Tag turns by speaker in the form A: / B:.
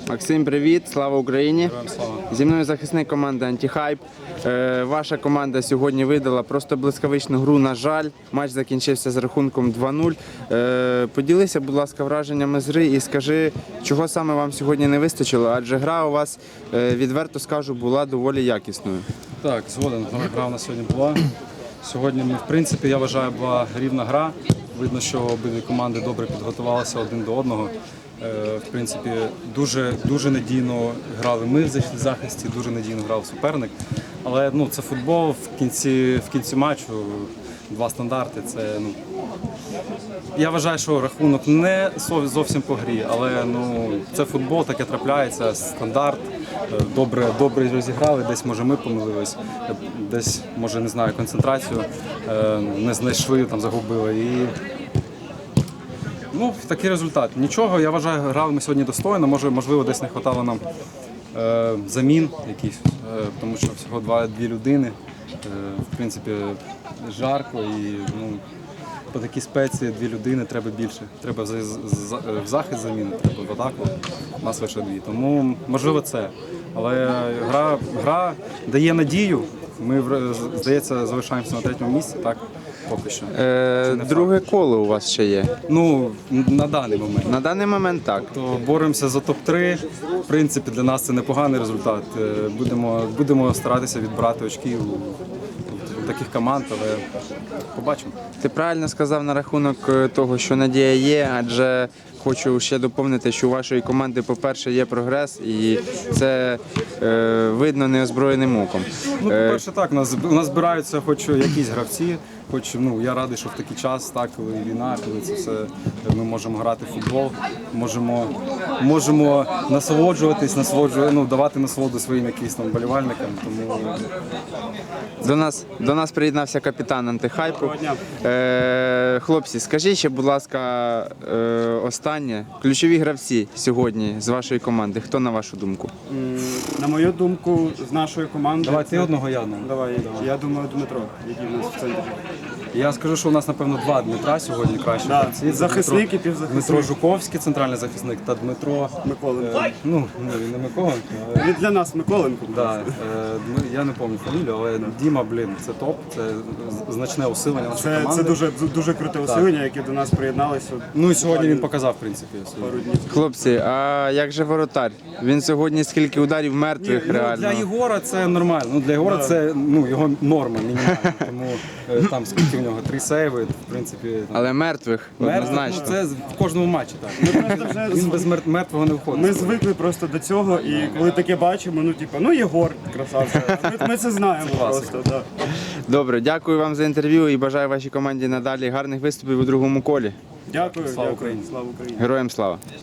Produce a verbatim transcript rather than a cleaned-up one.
A: Максим, привіт, слава Україні.
B: Героям слава.
A: Зі мною захисник команди «Антихайп». Е, ваша команда сьогодні видала просто блискавичну гру, на жаль. Матч закінчився з рахунком два нуль. Е, поділися, будь ласка, враженнями з гри і скажи, чого саме вам сьогодні не вистачило, адже гра у вас, е, відверто скажу, була доволі якісною.
B: Так, згоден, гра у нас сьогодні була. Сьогодні, в принципі, я вважаю, була рівна гра. Видно, що обидві команди добре підготувалися один до одного. Е, В принципі, дуже, дуже надійно грали ми в захисті, дуже надійно грав суперник. Але ну, це футбол, в кінці, в кінці матчу два стандарти. Це, ну, я вважаю, що рахунок не зовсім по грі, але ну, це футбол, таке трапляється, стандарт. Добре, добре розіграли, десь може ми помилились, десь може не знаю, концентрацію не знайшли, там загубили. І ну, такий результат. Нічого, я вважаю, грали ми сьогодні достойно, може, можливо, десь не вистачало нам е, замін якісь, е, тому що всього два-дві людини. Е, в принципі, жарко і ну, по такій спеції дві людини треба більше. Треба в захист заміни, треба в атаку, у нас лише дві. Тому можливо це. Але гра, гра дає надію. Ми, здається, залишаємося на третьому місці, так? Поки що.
A: Е, друге коло у вас ще є?
B: Ну, на даний момент.
A: На даний момент так.
B: То боремося за топ три. В принципі, для нас це непоганий результат. Е, Будемо, будемо старатися відбирати очки у, у таких команд, але побачимо.
A: Ти правильно сказав на рахунок е, того, що надія є, адже хочу ще доповнити, що у вашої команди, по-перше, є прогрес, і це е, видно неозброєним оком.
B: Ну, по-перше, так, у нас, у нас збираються хоч якісь гравці, хоч ну, я радий, що в такий час, так, коли війна, коли це все, ми можемо грати в футбол, можемо, можемо насолоджуватись, насолоджувати, ну, давати насолоду своїм якимось там болівальникам. Тому...
A: До нас, до нас приєднався капітан «Антихайпу». Е, хлопці, скажіть ще, будь ласка, е, останнє. Ключові гравці сьогодні з вашої команди. Хто, на вашу думку?
C: На мою думку, з нашої команди...
B: Давай
C: це-
B: ти одного, я одного.
C: Давай, я думаю, Дмитро, який в нас в центрі.
B: Я скажу, що у нас, напевно, два Дмитра сьогодні кращі
C: Да,
B: гравці. Це
C: захисник
B: Дмитро-
C: і півзахисник.
B: Дмитро Жуковський, центральний захисник, та Дмитро...
C: Миколенко.
B: Е, ну, не, не Миколенко, але...
C: Він для нас Миколенко.
B: Да, е, Дми- я не пам'ятаю фамілію, але Діма, блін, це топ, це з- значне усилення нашої
C: Це,
B: команди.
C: це дуже, дуже круте усилення, яке до нас приєдналося.
B: Ну і сьогодні він показав, в принципі, свою.
C: пару днів.
A: Хлопці, а як же воротар? Він сьогодні скільки ударів мертвих
B: Ну,
A: реально?
B: для Єгора це нормально. Ну, для Єгора це ну, його норма мінімальна. Тому е, там скільки в нього три сейви, в принципі. Там,
A: Але мертвих,
B: мертв-
A: однозначно.
B: ну, це в кожному матчі так.
C: Просто вже
B: Він без мер- мертвого не виходить.
C: Ми звикли просто до цього, і коли таке бачимо, ну типу, ну Єгор, красавчик. Ми, ми це знаємо
B: класика.
C: просто. Да.
A: Добре, дякую вам за інтерв'ю і бажаю вашій команді надалі гарних виступів у другому колі.
C: Дякую,
B: Слава
C: дякую.
B: Україні.
C: Слава Україні.
A: Героям слава!